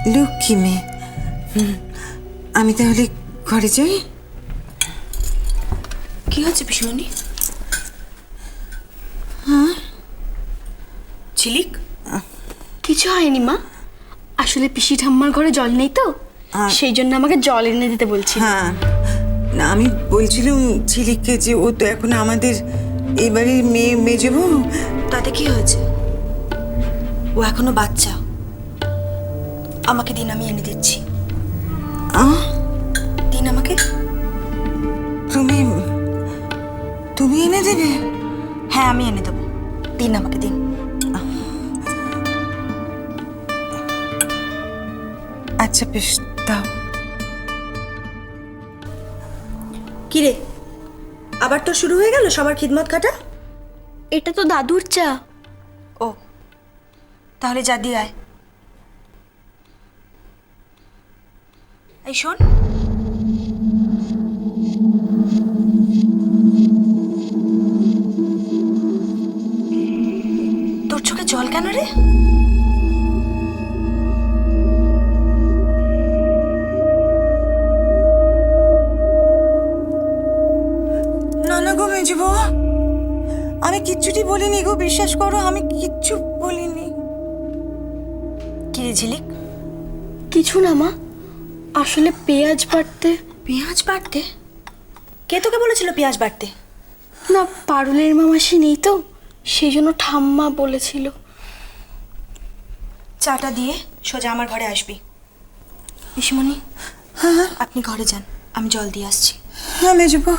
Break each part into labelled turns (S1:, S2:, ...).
S1: লক্ষ্মী মেয়ে। আমি তাহলে ঘরে যাই।
S2: কি হচ্ছে পিসিমণি? ঝিলিক, কিছু হয়নি মা। আসলে পিসি ঠাম্মার ঘরে জল নেই তো, সেই জন্য আমাকে জল এনে দিতে বলছি।
S1: হ্যাঁ, না আমি বলছিলাম ঝিলিককে যে ও তো এখন আমাদের এই বাড়ির মেয়ে বউ।
S2: তাতে কি হয়েছে? ও এখনো বাচ্চা। আমাকে দিন, আমি এনে দিচ্ছি। দিন আমাকে।
S1: তুমি এনে দেবে?
S2: হ্যাঁ, আমি এনে দেবো। দিন আমাকে, দিন।
S1: আচ্ছা বেশ, দাও।
S2: কিরে, আবার তো শুরু হয়ে গেল সবার খিদমত খাটা?
S3: এটা তো দাদুর চা।
S2: ও, তাহলে যা দিয়ে আয়। এই শোন, তোর চোখে জল কেন রে?
S1: না গো মেজে বউ, আমি কিচ্ছুটি বলিনি গো, বিশ্বাস করো আমি কিচ্ছু বলিনি।
S2: কিরে ঝিলিক?
S3: কিছু না মা, আসলে পেঁয়াজ বাটতে।
S2: পেঁয়াজ বাটতে? কে তোকে বলেছিল পেঁয়াজ বাটতে?
S3: না, পারুলের মামাসি নেই তো, সেই জন্য ঠাম্মা বলেছিল।
S2: চাটা দিয়ে সোজা আমার ঘরে আসবি। পিসিমণি, আপনি ঘরে যান, আমি জল দিয়ে আসছি।
S1: হ্যাঁ মেজে বউ।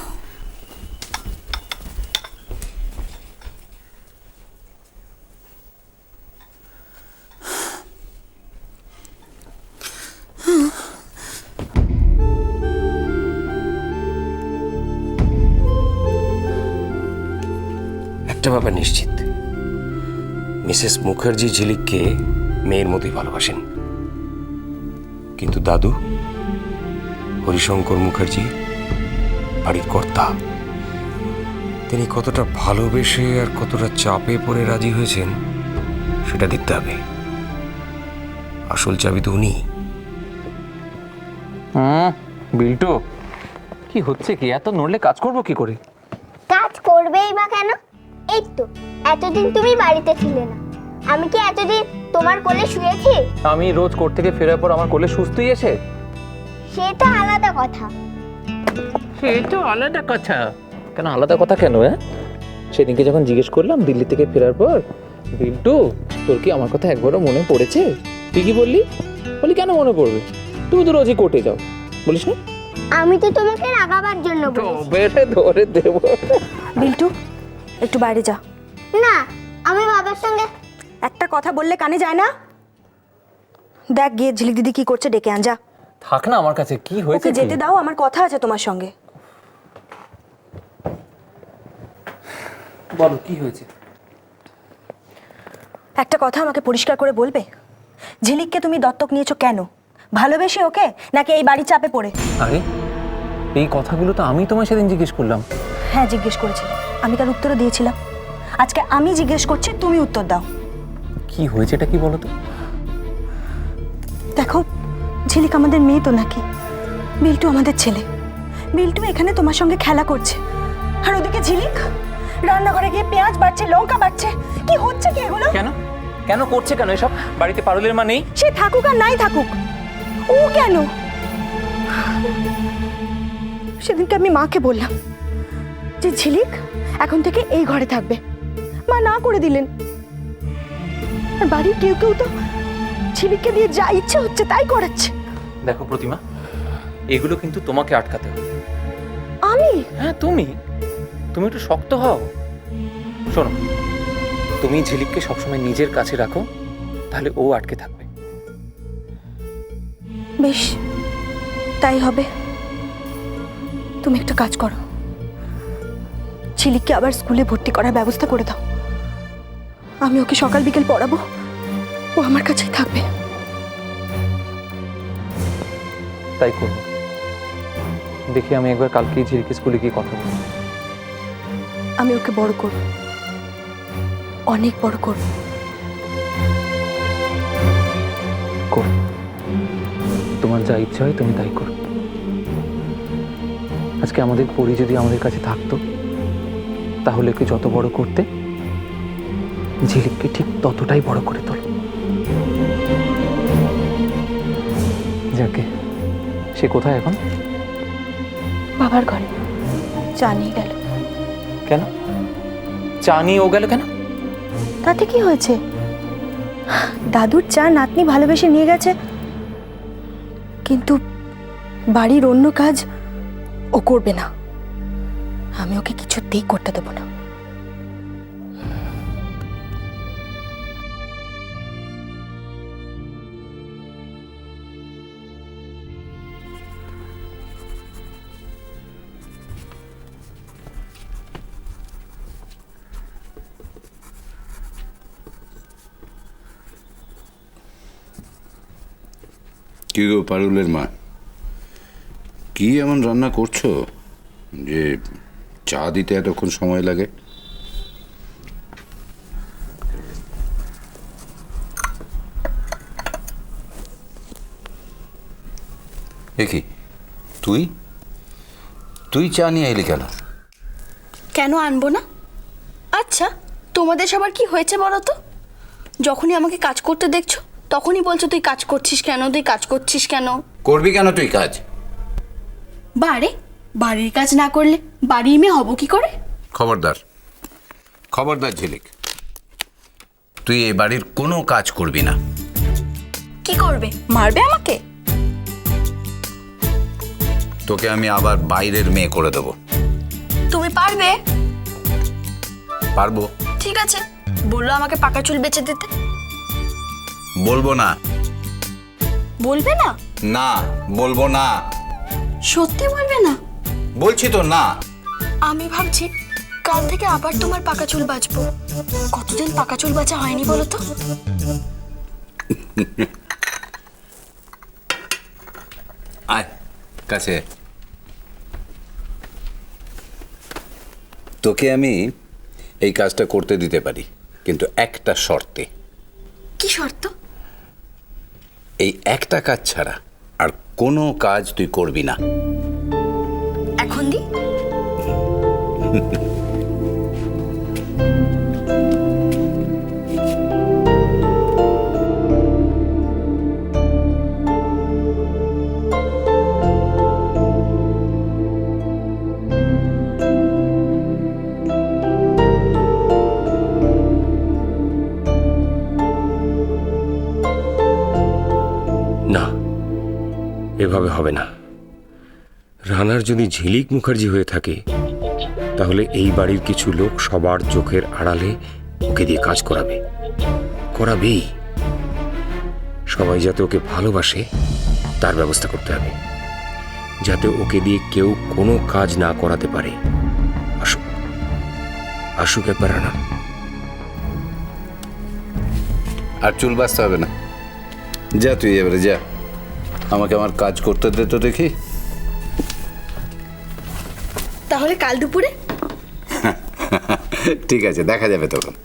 S4: একটা ব্যাপার নিশ্চিত, মিসেস মুখার্জি ঝিলিককে মেয়ের মতোই ভালোবাসেন, কিন্তু দাদু হরিশঙ্কর মুখার্জি বাড়ির কর্তা, তিনি কতটা ভালোবেসে আর কতটা চাপে পড়ে রাজি হয়েছেন সেটা দেখতে হবে। আসল চাবি তো উনি।
S5: বিল্টু, কি হচ্ছে কি? এত নড়লে কাজ করবো কি করে?
S6: কাজ করবেই বা কেন? এই তো এতদিন তুমি বাড়িতে ছিলে না, আমি কি এতদিন তোমার কোলে শুয়েছি?
S5: আমি রোজ কোর্ট থেকে ফেরার পর আমার কোলে সুস্থই এসে,
S6: সে তো আলাদা কথা।
S5: সেই তো আলাদা কথা। কেন আলাদা কথা কেন? সেদিনকে যখন জিজ্ঞেস করলাম দিল্লি থেকে ফেরার পর, বিল্টু তোর কি আমার কথা একবারও মনে পড়েছে? তুই কি বললি? বলি কেন মনে পড়বে, তুমি তো রোজই কোর্টে যাও, বলিস না?
S6: আমি তো তোমাকে রাগাবার জন্য বলেছি।
S5: ধরে দেব।
S2: বিল্টু, একটু বাইরে যা।
S6: না, আমি বাবার সঙ্গে।
S2: একটা কথা বললে কানে যায় না? দেখ গিয়ে ঝিলিক দিদি কি করছে, ডেকে আন যা।
S5: থাক না আমার কাছে, কি হয়েছে?
S2: ওকে যেতে দাও, আমার কথা আছে তোমার সঙ্গে।
S5: বলো কি হয়েছে?
S2: একটা কথা আমাকে পরিষ্কার করে বলবে, ঝিলিককে তুমি দত্তক নিয়েছো কেন? ভালোবেসে ওকে, নাকি এই বাড়ি চাপে পড়ে?
S5: আরে এই কথাগুলো তো আমি তোমায় সেদিন জিজ্ঞেস করলাম।
S2: হ্যাঁ জিজ্ঞেস করেছি, আমি তার উত্তরও দিয়েছিলাম। আজকে আমি জিজ্ঞেস করছি, তুমি উত্তর দাও।
S5: কি হয়েছে এটা কি বলো তো?
S2: দেখো, ঝিলিক আমাদের মেয়ে তো নাকি? বিল্টু আমাদের ছেলে। বিল্টু এখানে তোমার সঙ্গে খেলা করছে, আর ওদিকে ঝিলিক রান্নাঘরে গিয়ে পেঁয়াজ বাটছে, লঙ্কা বাটছে। কি হচ্ছে কি এগুলো?
S5: কেন কেন করছে কেন এসব? বাড়িতে পারুলের মা নেই?
S2: সে থাকুক আর নাই থাকুক, ও কেন? সেদিনকে আমি মাকে বললাম যে ঝিলিক এখন থেকে এই ঘরে থাকবে, মা না করে দিলেন। আর বাড়ির কেউ কেউ তো ঝিলিককে দিয়ে যা ইচ্ছে হচ্ছে তাই করাচ্ছে।
S5: দেখো প্রতিমা, এগুলো কিন্তু তোমাকে আটকাতে হবে।
S2: আমি?
S5: হ্যাঁ তুমি একটু শক্ত হও। শোনো, তুমি ঝিলিককে সবসময় নিজের কাছে রাখো, তাহলে ও আটকে থাকবে।
S2: বেশ, তাই হবে। তুমি একটা কাজ করো, ঝিলিককে আবার স্কুলে ভর্তি করার ব্যবস্থা করে দাও। আমি ওকে সকাল বিকেল পড়াবো, ও আমার কাছেই থাকবে।
S5: তাই করবো। দেখি আমি একবার কালকে ঝিলিকে স্কুলে গিয়ে কথা বলবো।
S2: আমি ওকে বড় করব, অনেক বড় করব।
S5: করবো। তোমার যা ইচ্ছা হয় তুমি তাই করো। আজকে আমাদের পরি যদি আমাদের কাছে থাকতো, তাহলে কি যত বড় করতে, ঝিলিককে ঠিক ততটাই বড় করে তোলো। যাকে, সে কোথায় এখন?
S2: বাবার ঘরে চা নিয়ে গেল।
S5: কেন চা নিয়ে ও গেল কেন?
S2: তাতে কি হয়েছে? দাদুর চা নাতনি ভালোবেসে নিয়ে গেছে, কিন্তু বাড়ির অন্য কাজ ও করবে না। আমি ওকে কিছুতেই করতে দেবো না।
S7: কি গো পারুলের মা, কি এমন রান্না করছো যে চা দিতে এতক্ষণ সময় লাগে?
S8: কি তুই তুই চা নিয়ে এলি কেন?
S3: কেন আনবো না? আচ্ছা, তোমাদের সবার কি হয়েছে বলো তো? যখনই আমাকে কাজ করতে দেখছো তখনই বলছো তুই কাজ করছিস কেন, তুই কাজ করছিস কেন।
S8: করবি কেন তুই কাজ?
S3: বারে বাড়ির কাজ না করলে বাড়ির মেয়ে হব কি করে?
S8: খবরদার, খবরদার ঝিলিক, তুই এই বাড়ির কোনো কাজ করবি না।
S3: কি করবে? মারবে আমাকে?
S8: তোকে আমি আবার বাইরের মেয়ে করে দেবো।
S3: তুমি পারবে?
S8: পারবো।
S3: ঠিক আছে, বললো আমাকে পাকা চুল বেচে দিতে।
S8: বলবো না।
S3: বলবে না?
S8: না, বলবো না।
S3: সত্যি বলবে না?
S8: বলছি তো না।
S3: আমি ভাবছি কাল থেকে আবার তোমার পাকা চুল বাঁচবো। কতদিন পাকা চুল বাঁচা হয়নি বলো তো?
S8: আয় কাছে। তোকে আমি এই কাজটা করতে দিতে পারি, কিন্তু একটা শর্তে।
S3: কি শর্ত?
S8: এই একটা কাজ ছাড়া আর কোনো কাজ তুই করবি না।
S3: এখন দি?
S4: না, এভাবে হবে না। রানার যদি ঝিলিক মুখার্জি হয়ে থাকে, তাহলে এই বাড়ির কিছু লোক সবার চোখের আড়ালে ওকে দিয়ে কাজ করাবেই। সবাই যাতে ওকে ভালোবাসে তার ব্যবস্থা করতে হবে, যাতে ওকে দিয়ে কেউ কোনো কাজ না করাতে পারে। আসুক একবার রানা।
S7: আর চুল বাঁচতে হবে না, যা তুই এবারে যা, আমাকে আমার কাজ করতে দে তো দেখি।
S3: তাহলে কাল দুপুরে?
S7: ঠিক আছে, দেখা যাবে তখন।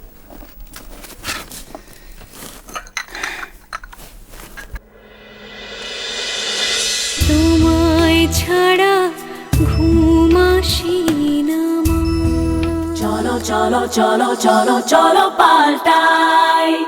S9: তোমায় ছাড়া ঘুম আসি না মা। চলো চলো চলো চলো চলো পাল্টাই